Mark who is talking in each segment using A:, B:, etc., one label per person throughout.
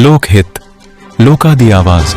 A: ਲੋਕ ਹਿੱਤ, ਲੋਕਾਂ ਦੀ ਆਵਾਜ਼।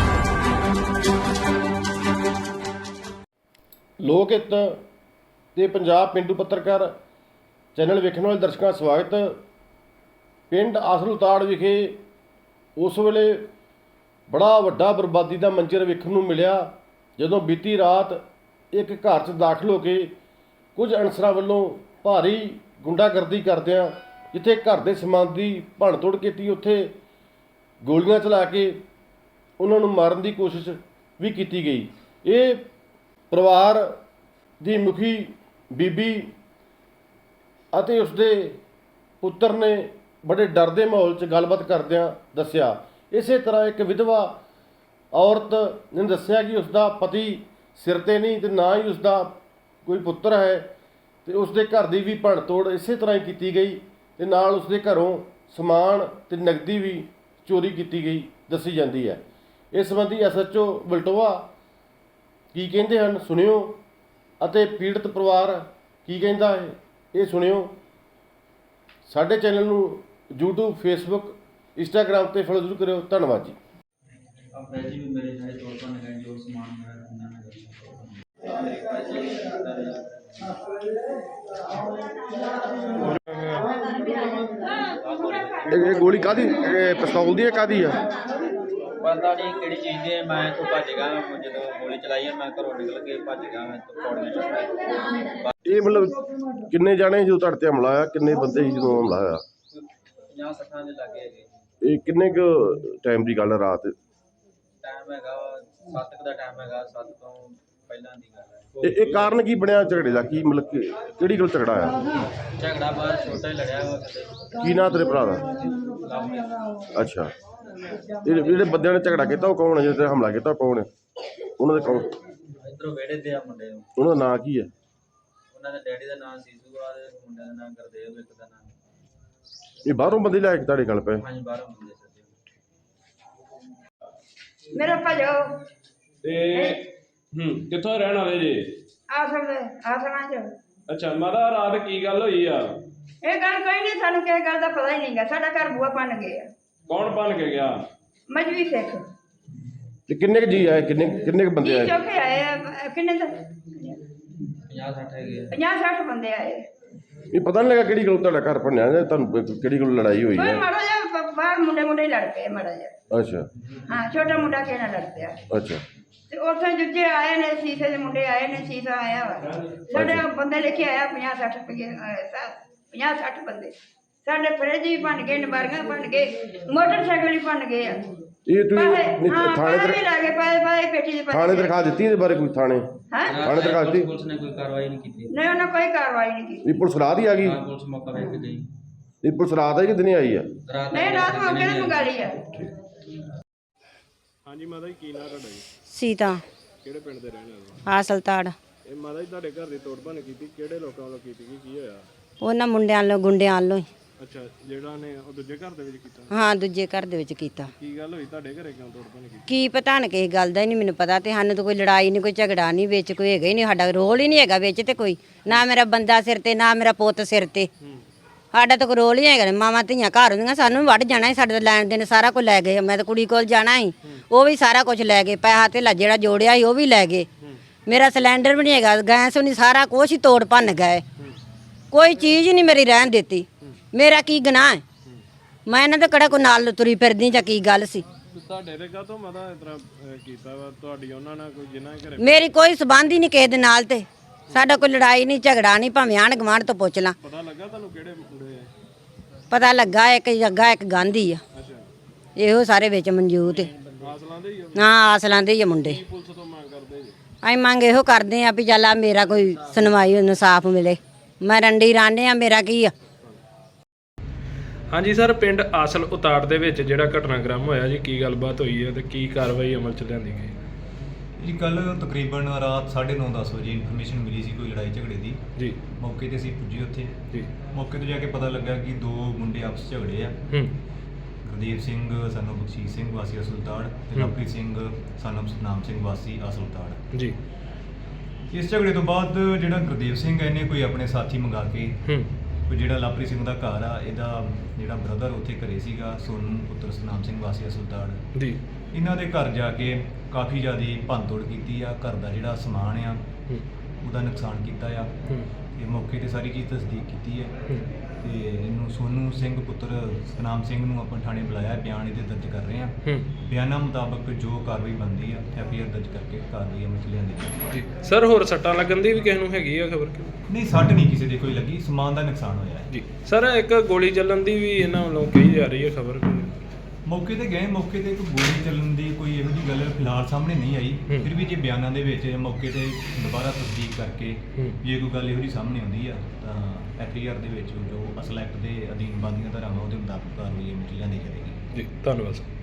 B: ਲੋਕ ਹਿੱਤ ਤੇ ਪੰਜਾਬ ਪਿੰਡੂ ਪੱਤਰਕਾਰ ਚੈਨਲ ਵੇਖਣ ਵਾਲੇ ਦਰਸ਼ਕਾਂ ਦਾ ਸਵਾਗਤ। ਪਿੰਡ ਆਸਲ ਉਤਾੜ ਵਿਖੇ ਉਸ ਵੇਲੇ ਬੜਾ ਵੱਡਾ ਬਰਬਾਦੀ ਦਾ ਮੰਜ਼ਰ ਵੇਖਣ ਨੂੰ ਮਿਲਿਆ ਜਦੋਂ ਬੀਤੀ ਰਾਤ ਇੱਕ ਘਰ 'ਚ ਦਾਖਲ ਹੋ ਕੇ ਕੁਝ ਅਨਸਰਾਂ ਵੱਲੋਂ ਭਾਰੀ ਗੁੰਡਾਗਰਦੀ ਕਰਦਿਆਂ ਜਿੱਥੇ ਘਰ ਦੇ ਸਮਾਨ ਦੀ ਭੰਨਤੋੜ ਕੀਤੀ, ਉੱਥੇ ਗੋਲੀਆਂ ਚਲਾ ਕੇ ਉਹਨਾਂ ਨੂੰ ਮਾਰਨ ਦੀ ਕੋਸ਼ਿਸ਼ ਵੀ ਕੀਤੀ ਗਈ। ਇਹ ਪਰਿਵਾਰ ਦੀ ਮੁਖੀ ਬੀਬੀ ਅਤੇ ਉਸਦੇ ਪੁੱਤਰ ਨੇ ਬੜੇ ਡਰ ਦੇ ਮਾਹੌਲ 'ਚ ਗੱਲਬਾਤ ਕਰਦਿਆਂ ਦੱਸਿਆ। ਇਸੇ ਤਰ੍ਹਾਂ ਇੱਕ ਵਿਧਵਾ ਔਰਤ ਨੇ ਦੱਸਿਆ ਕਿ ਉਸਦਾ ਪਤੀ ਸਿਰ 'ਤੇ ਨਹੀਂ ਤੇ ਨਾ ਹੀ ਉਸਦਾ ਕੋਈ ਪੁੱਤਰ ਹੈ ਤੇ ਉਸਦੇ ਘਰ ਦੀ ਵੀ ਭੰਨਤੋੜ ਇਸੇ ਤਰ੍ਹਾਂ ਹੀ ਕੀਤੀ ਗਈ ਤੇ ਨਾਲ ਉਸਦੇ ਘਰੋਂ ਸਮਾਨ ਤੇ ਨਕਦੀ ਵੀ ਚੋਰੀ ਕੀਤੀ ਗਈ ਦੱਸੀ ਜਾਂਦੀ ਹੈ। ਇਸ ਸੰਬੰਧੀ SHO ਬਲਟੋਆ ਕੀ ਕਹਿੰਦੇ ਹਨ ਸੁਣਿਓ ਅਤੇ ਪੀੜਤ ਪਰਿਵਾਰ ਕੀ ਕਹਿੰਦਾ ਹੈ ਇਹ ਸੁਣਿਓ। ਸਾਡੇ ਚੈਨਲ ਨੂੰ YouTube, Facebook, Instagram ਤੇ ਫੋਲੋ ਜ਼ਰੂਰ ਕਰਿਓ। ਧੰਨਵਾਦ ਜੀ।
C: पैसे भी मेरे सारे तौर पर लगाए जो सामान
B: ਇਹ ਗੋਲੀ ਕਾਦੀ ਪਿਸਤੌਲ ਦੀ ਹੈ ਕਾਦੀ ਆ
C: पता नहीं कि चीज़ है। मैं तो भज गया जो गोली चलाई है, मैं घरों निकल के भज गया। मैं तो पौड़ियां चढ़
B: ਇਹ ਮਤਲਬ ਕਿੰਨੇ ਜਾਣੇ ਜਦੋਂ ਤੁਹਾਡੇ ਤੇ ਹਮਲਾ ਆਇਆ, ਕਿੰਨੇ ਬੰਦੇ ਸੀ ਜਦੋਂ ਹਮਲਾ ਆਇਆ?
C: 50-60 ਦੇ ਲੱਗੇ ਹੈਗੇ।
B: ਇਹ ਕਿੰਨੇ ਕੁ ਟਾਈਮ ਦੀ ਗੱਲ ਹੈ? ਰਾਤ
C: ਟਾਈਮ ਹੈਗਾ 7 ਦਾ ਟਾਈਮ ਹੈਗਾ, 7 ਤੋਂ ਪਹਿਲਾਂ ਦੀ ਗੱਲ ਹੈ।
B: ਇਹ ਕਾਰਨ ਕੀ ਬਣਿਆ ਝਗੜੇ ਦਾ? ਕੀ ਮਤਲਬ ਕਿ ਕਿਹੜੀ ਗੱਲ ਝਗੜਾ ਆਇਆ?
C: ਝਗੜਾ ਬਾਹਰ ਛੋਟਾ ਹੀ ਲੜਿਆ ਵਾ ਕਿਤੇ।
B: ਕੀ ਨਾਂ ਤੇਰੇ ਭਰਾ ਦਾ? ਅੱਛਾ, ਇਹ ਜਿਹੜੇ ਬੰਦਿਆਂ ਨੇ ਝਗੜਾ ਕੀਤਾ ਉਹ ਕੌਣ ਹੈ? ਜਿਹੜੇ ਤੇ ਹਮਲਾ ਕੀਤਾ ਉਹ ਕੌਣ ਹੈ? ਉਹਨਾਂ ਦੇ ਕੌਣ?
C: ਇੱਧਰੋਂ ਵਿਹੜੇ ਦੇ ਆ ਮੁੰਡੇ ਨੂੰ।
B: ਉਹਨਾਂ ਦਾ ਨਾਂ ਕੀ ਹੈ?
C: ਉਹਨਾਂ ਦੇ ਡੈਡੀ ਦਾ ਨਾਮ ਸੀਸੂ ਆ ਤੇ ਮੁੰਡੇ ਦਾ ਨਾਮ ਗੁਰਦੇਵ, ਇੱਕ ਦਾ ਨਾਮ।
B: ਇਹ ਬਾਹਰੋਂ ਬੰਦੇ ਲੈ ਕੇ ਤੁਹਾਡੇ ਗੱਲ ਪਏ?
C: ਹਾਂਜੀ, ਬਾਹਰੋਂ ਮੁੰਡੇ ਸੱਜੇ।
D: ਮੇਰਾ ਭਜੋ
E: ਤੇ ਕਿੱਥੋਂ ਰਹਿਣ ਵਾਲੇ ਜੀ?
D: ਆਸਮਾਂ ਚ।
E: ਅੱਛਾ ਮਾਤਾ, ਰਾਤ ਕੀ ਗੱਲ ਹੋਈ ਆ?
D: ਇਹ ਗੱਲ ਕੋਈ ਨਹੀਂ, ਸਾਨੂੰ ਕਿਸੇ ਗੱਲ ਦਾ ਪਤਾ ਹੀ ਨਹੀਂਗਾ। ਸਾਡਾ ਘਰ ਬੂਆ ਬਣ ਗਿਆ।
E: ਕੌਣ ਬਣ ਕੇ ਗਿਆ?
D: ਮਜਬੀ ਸਿੱਖ
B: ਤੇ ਕਿੰਨੇ ਕੁ ਜੀ ਆਏ? ਕਿੰਨੇ ਕੁ ਬੰਦੇ ਆਏ?
D: ਚੌਕੇ ਆਏ ਆ। ਕਿੰਨੇ ਦਾ
C: 50-60 ਹੈਗੇ ਆ।
D: 50-60 ਬੰਦੇ ਆਏ।
B: ਇਹ ਪਤਾ ਨਹੀਂ ਲੱਗਾ ਕਿਹੜੀ ਗੱਲ ਤੁਹਾਡਾ ਘਰ ਭੰਨਿਆ ਜਾਂ ਤੁਹਾਨੂੰ ਕਿਹੜੀ ਗੱਲ ਲੜਾਈ ਹੋਈ
D: ਕੋਈ
B: ਹੈ?
D: ਮਾੜਾ ਜਿਹਾ ਬਾਹਰ ਮੁੰਡੇ ਹੀ ਲੜ ਪਏ ਮਾੜਾ ਜਿਹਾ।
B: ਅੱਛਾ
D: ਹਾਂ, ਛੋਟਾ ਮੁੰਡਾ ਕਿਸੇ ਨਾਲ ਲੜ ਪਿਆ
B: ਅੱਛਾ।
D: ਤੇ ਉੱਥੇ ਦੂਜੇ ਆਏ ਨੇ, ਸ਼ੀਸ਼ੇ ਦੇ ਮੁੰਡੇ ਆਏ ਨੇ। ਸ਼ੀਸ਼ਾ ਆਇਆ ਵਾ ਸਾਡੇ ਬੰਦੇ ਲੈ ਕੇ ਆਇਆ 50-60 ਰੁਪਏ। 50-60 ਬੰਦੇ ਸਾਡੇ ਫਰਿੱਜ ਵੀ ਬਣ ਗਏ, ਨਬਾਰੀਆਂ ਬਣ ਗਏ, ਮੋਟਰਸਾਈਕਲ ਵੀ ਬਣ ਗਏ ਆ।
B: ਇਹ ਤੁਸੀਂ
D: ਥਾਣੇ ਤੇ ਲੱਗੇ ਪਏ ਪੇਟੀ ਦੇ
B: ਥਾਣੇ ਦਰਖਾਸਤ ਦਿੱਤੀ ਇਹਦੇ ਬਾਰੇ? ਕੋਈ ਥਾਣੇ ਥਾਣੇ ਦਰਖਾਸਤ ਦਿੱਤੀ?
C: ਪੁਲਿਸ ਨੇ ਕੋਈ ਕਾਰਵਾਈ ਨਹੀਂ ਕੀਤੀ।
D: ਨਹੀਂ, ਉਹਨਾਂ ਕੋਈ ਕਾਰਵਾਈ ਨਹੀਂ ਕੀਤੀ।
B: ਇਹ ਪੁਲਿਸ ਰਾਤ ਹੀ ਆ ਗਈ?
C: ਹਾਂ, ਪੁਲਿਸ ਮੌਕਾ ਵੇਖ ਕੇ ਗਈ।
B: ਇਹ ਪੁਲਿਸ ਰਾਤ ਆਈ ਕਿ ਦਿਨੇ ਆਈ ਆ?
C: ਰਾਤ
D: ਨਹੀਂ, ਰਾਤ ਮੌਕੇ ਤੇ ਮੰਗਾ ਲਈ ਆ।
E: ਹਾਂਜੀ ਮਾਤਾ ਜੀ, ਕੀ ਨਾਂ ਤੁਹਾਡਾ ਜੀ?
F: ਸੀਤਾ
E: ਕਿਹੜੇ ਪਿੰਡ ਦੇ ਰਹਿਣ ਵਾਲੇ?
F: ਆਸਲਤਾੜ।
E: ਇਹ ਮਾਤਾ ਜੀ ਤੁਹਾਡੇ ਘਰ ਦੀ ਤੋੜ ਭੰਨ ਕੀਤੀ, ਕਿਹੜੇ ਲੋਕਾਂ ਵੱਲੋਂ ਕੀਤੀ ਗਈ? ਕੀ ਹੋਇਆ?
F: ਉਹਨਾਂ ਮੁੰਡਿਆਂ ਵੱਲੋਂ, ਗੁੰਡਿਆਂ ਵੱਲੋਂ ਹੀ।
E: ਅੱਛਾ, ਜਿਹੜਾ ਨੇ ਉਹ ਦੂਜੇ ਘਰ ਦੇ ਵਿੱਚ ਕੀਤਾ?
F: ਹਾਂ, ਦੂਜੇ ਘਰ ਦੇ ਵਿੱਚ ਕੀਤਾ।
E: ਕੀ ਗੱਲ ਹੋਈ ਤੁਹਾਡੇ ਘਰੇ, ਕਿਉਂ ਤੋੜ ਭੰਨ ਕੀਤੀ?
F: ਕੀ ਪਤਾ ਨਾ ਕਿਸੇ ਗੱਲ ਦਾ ਹੀ ਨਹੀਂ ਮੈਨੂੰ ਪਤਾ। ਤੇ ਸਾਨੂੰ ਤਾਂ ਕੋਈ ਲੜਾਈ ਨਹੀਂ, ਕੋਈ ਝਗੜਾ ਨਹੀਂ, ਵਿੱਚ ਕੋਈ ਹੈਗਾ ਹੀ ਨਹੀਂ। ਸਾਡਾ ਰੋਲ ਹੀ ਨਹੀਂ ਹੈਗਾ ਵਿੱਚ ਤੇ ਕੋਈ। ਨਾ ਮੇਰਾ ਬੰਦਾ ਸਿਰ ਤੇ, ਨਾ ਮੇਰਾ ਪੁੱਤ ਸਿਰ ਤੇ। ਸਾਡਾ ਤਾਂ ਕੋਈ ਰੋਲ ਹੀ ਹੈਗਾ। ਮਾਵਾਂ ਧੀਆਂ ਘਰ ਹੁੰਦੀਆਂ, ਸਾਨੂੰ ਵੀ ਵੱਢ ਜਾਣਾ ਸੀ। ਸਾਡੇ ਤਾਂ ਲੈਣ ਦੇਣ ਸਾਰਾ ਕੁਝ ਲੈ ਗਏ। ਮੈਂ ਤਾਂ ਕੁੜੀ ਕੋਲ ਜਾਣਾ ਸੀ, ਉਹ ਵੀ ਸਾਰਾ ਕੁਝ ਲੈ ਗਏ। ਪੈਸਾ ਧੇਲਾ ਜਿਹੜਾ ਜੋੜਿਆ ਸੀ ਉਹ ਵੀ ਲੈ ਗਏ। ਮੇਰਾ ਸਿਲੰਡਰ ਵੀ ਨਹੀਂ ਹੈਗਾ, ਗੈਸ ਵੀ ਨਹੀਂ, ਸਾਰਾ ਕੁਛ ਹੀ ਤੋੜ ਭੰਨ ਗਏ। ਕੋਈ ਚੀਜ਼ ਨਹੀਂ ਮੇਰੀ ਰਹਿਣ ਦਿੱਤੀ। ਮੇਰਾ ਕੀ ਗੁਨਾਹ ਹੈ? ਮੈਂ ਇਹਨਾਂ ਦੇ ਕਿਹੜਾ ਕੋਈ ਨਾਲ ਤੁਰੀ ਫਿਰਦੀ ਜਾਂ ਕੀ ਗੱਲ ਸੀ?
E: ਤੁਹਾਡੇ ਤੇ ਕਾਹਤੋਂ ਮਾਤਾ ਇਸ ਤਰ੍ਹਾਂ ਕੀਤਾ ਵਾ? ਤੁਹਾਡੀ ਉਹਨਾਂ ਨਾਲ ਕੋਈ ਜਿਨ੍ਹਾਂ ਦੇ ਘਰੇ?
F: ਮੇਰੀ ਕੋਈ ਸਬੰਧ ਹੀ ਨਹੀਂ ਕਿਸੇ ਦੇ ਨਾਲ। ਤੇ ਸਾਡਾ ਕੋਈ ਲੜਾਈ ਨਹੀਂ, ਝਗੜਾ ਨਹੀਂ। ਭਾਵੇਂ ਆਂਢ ਗੁਆਂਢ ਤੋਂ ਪੁੱਛ ਲਾਂ।
E: ਪਤਾ ਲੱਗਾ ਤੁਹਾਨੂੰ ਕਿਹੜੇ ਮੁੰਡੇ ਆ?
F: ਪਤਾ ਲੱਗਾ ਇੱਕ ਜੱਗਾ, ਇੱਕ ਗਾਂਧੀ ਆ।
E: ਅੱਛਾ,
F: ਇਹੋ ਸਾਰੇ ਵਿੱਚ ਮਨਜੂਤ ਹੈ।
E: ਆਸਲਾਂ ਦੇ ਹੀ ਆ?
F: ਹਾਂ, ਆਸਲਾਂ ਦੇ ਹੀ ਆ ਮੁੰਡੇ।
E: ਪੁਲਿਸ ਤੋਂ ਮੰਗ ਕਰਦੇ ਜੀ?
F: ਅਸੀਂ ਮੰਗ ਇਹੋ ਕਰਦੇ ਆ ਵੀ ਚੱਲ ਆ ਮੇਰਾ ਕੋਈ ਸੁਣਵਾਈ, ਇਨਸਾਫ ਮਿਲੇ। ਮੈਂ ਰੰਡੀ ਰਾਣੇ ਆ, ਮੇਰਾ ਕੀ ਆ?
E: ਹਾਂਜੀ ਸਰ, ਪਿੰਡ ਆਸਲ ਉਤਾੜ ਦੇ ਵਿੱਚ ਜਿਹੜਾ ਘਟਨਾਕ੍ਰਮ ਹੋਇਆ ਜੀ, ਕੀ ਗੱਲਬਾਤ ਹੋਈ ਹੈ ਤੇ ਕੀ ਕਾਰਵਾਈ ਅਮਲ ਚ ਲਿਆਂਦੀ ਗਈ?
G: ਜੀ ਕੱਲ ਤਕਰੀਬਨ ਰਾਤ 9:30-10 ਵਜੇ ਇਨਫੋਰਮੇਸ਼ਨ ਮਿਲੀ ਸੀ ਕੋਈ ਲੜਾਈ ਝਗੜੇ ਦੀ।
E: ਜੀ।
G: ਮੌਕੇ ਤੇ ਅਸੀਂ ਪੁੱਜੇ ਉੱਥੇ।
E: ਜੀ।
G: ਮੌਕੇ ਤੇ ਜਾ ਕੇ ਪਤਾ ਲੱਗਾ ਕਿ ਦੋ ਮੁੰਡੇ ਆਪਸ 'ਚ ਝਗੜੇ ਆ। ਗੁਰਦੇਵ ਸਿੰਘ ਸਾਨੂੰ ਬਖਸ਼ੀਸ਼ ਸਿੰਘ ਵਾਸੀ ਅਸਲਤਾੜ ਤੇ ਲਵਪ੍ਰੀਤ ਸਿੰਘ ਸਾਨੂੰ ਸਤਨਾਮ ਸਿੰਘ ਵਾਸੀ ਅਸਲਤਾੜ।
E: ਜੀ।
G: ਇਸ ਝਗੜੇ ਤੋਂ ਬਾਅਦ ਜਿਹੜਾ ਗੁਰਦੇਵ ਸਿੰਘ ਇਹਨੇ ਕੋਈ ਆਪਣੇ ਸਾਥੀ ਮੰਗਾ ਕੇ ਕੋਈ ਜਿਹੜਾ ਲਵਪ੍ਰੀਤ ਸਿੰਘ ਦਾ ਘਰ ਆ, ਇਹਦਾ ਜਿਹੜਾ ਬ੍ਰਦਰ ਉੱਥੇ ਘਰੇ ਸੀਗਾ, ਸੋਨੂੰ ਪੁੱਤਰ ਸਤਨਾਮ ਸਿੰਘ ਵਾਸੀ ਅਸਲਤਾੜ,
E: ਜੀ
G: ਇਹਨਾਂ ਦੇ ਘਰ ਜਾ ਕੇ ਕਾਫੀ ਜ਼ਿਆਦਾ ਭੰਨਤੋੜ ਕੀਤੀ ਆ। ਘਰ ਦਾ ਜਿਹੜਾ ਸਮਾਨ ਆ ਉਹਦਾ ਨੁਕਸਾਨ ਕੀਤਾ ਆ। ਇਹ ਮੌਕੇ ਤੇ ਸਾਰੀ ਚੀਜ਼ ਤਸਦੀਕ ਕੀਤੀ ਹੈ ਤੇ ਇਹਨੂੰ ਸੋਨੂੰ ਸਿੰਘ ਪੁੱਤਰ ਸਤਨਾਮ ਸਿੰਘ ਨੂੰ ਆਪਾਂ ਥਾਣੇ ਬੁਲਾਇਆ, ਬਿਆਨ ਇਹਦੇ ਦਰਜ ਕਰ ਰਹੇ ਆ। ਬਿਆਨਾਂ ਮੁਤਾਬਕ ਜੋ ਕਾਰਵਾਈ ਬਣਦੀ ਆ FIR ਦਰਜ ਕਰਕੇ ਕਾਰਵਾਈ ਅਮਲ 'ਚ ਲਿਆਂਦੀ ਜਾਵੇਗੀ।
E: ਜੀ ਸਰ, ਹੋਰ ਸੱਟਾਂ ਲੱਗਣ ਦੀ ਵੀ ਕਿਸੇ ਨੂੰ ਹੈਗੀ ਆ ਖਬਰ?
G: ਨਹੀਂ, ਸੱਟ ਨਹੀਂ ਕਿਸੇ ਦੇ ਕੋਈ ਲੱਗੀ, ਸਮਾਨ ਦਾ ਨੁਕਸਾਨ ਹੋਇਆ ਹੈ।
E: ਜੀ ਸਰ, ਇੱਕ ਗੋਲੀ ਚੱਲਣ ਦੀ ਵੀ ਇਹਨਾਂ ਵੱਲੋਂ ਕਹੀ ਜਾ ਰਹੀ ਹੈ ਖਬਰ।
G: ਮੌਕੇ ਤੇ ਗਏ, ਮੌਕੇ ਤੇ ਕੋਈ ਗੋਲੀ ਚੱਲਣ ਦੀ ਕੋਈ ਇਹੋ ਜਿਹੀ ਗੱਲ ਫਿਲਹਾਲ ਸਾਹਮਣੇ ਨਹੀਂ ਆਈ। ਫਿਰ ਵੀ ਜੇ ਬਿਆਨਾਂ ਦੇ ਵਿੱਚ ਮੌਕੇ ਤੇ ਦੁਬਾਰਾ ਤਸਦੀਕ ਕਰਕੇ ਜੇ ਕੋਈ ਗੱਲ ਇਹੋ ਜਿਹੀ ਸਾਹਮਣੇ ਆਉਂਦੀ ਆ ਤਾਂ FIR ਦੇ ਵਿੱਚ ਜੋ ਅਸਲ ਐਕਟ ਦੇ ਅਧੀਨ ਬਣਦੀਆਂ ਧਾਰਾਵਾਂ ਉਹਦੇ ਮੁਤਾਬਕ ਕਾਰਵਾਈ ਅਮਲ 'ਚ ਲਿਆਂਦੀ ਜਾਵੇਗੀ।
E: ਜੀ ਧੰਨਵਾਦ ਸਰ।